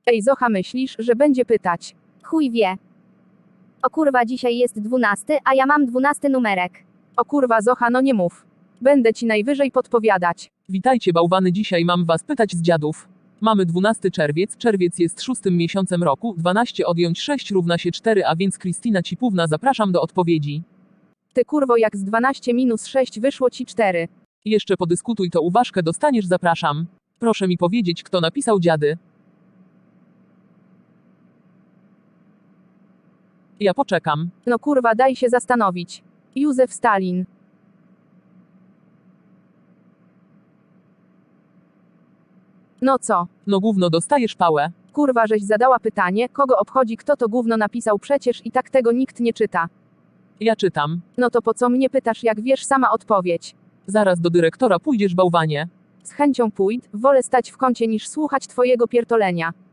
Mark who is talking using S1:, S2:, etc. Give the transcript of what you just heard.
S1: Ej Zocha, myślisz, że będzie pytać?
S2: Chuj wie. O kurwa, dzisiaj jest 12, a ja mam 12 numerek.
S1: O kurwa Zocha, no nie mów. Będę ci najwyżej podpowiadać.
S3: Witajcie bałwany, dzisiaj mam was pytać z dziadów. Mamy 12 czerwiec, czerwiec jest 6 miesiącem roku, 12 odjąć 6 równa się 4, a więc Krystyna Cipówna, zapraszam do odpowiedzi.
S1: Ty kurwo, jak z 12 minus 6 wyszło ci 4.
S3: Jeszcze podyskutuj, to uważkę dostaniesz, zapraszam. Proszę mi powiedzieć, kto napisał dziady. Ja poczekam.
S1: No kurwa, daj się zastanowić. Józef Stalin. No co?
S3: No gówno, dostajesz pałę.
S1: Kurwa, żeś zadała pytanie, kogo obchodzi, kto to gówno napisał, przecież i tak tego nikt nie czyta.
S3: Ja czytam.
S1: No to po co mnie pytasz, jak wiesz sama odpowiedź?
S3: Zaraz do dyrektora pójdziesz, bałwanie.
S1: Z chęcią pójdę, wolę stać w kącie niż słuchać twojego pierdolenia.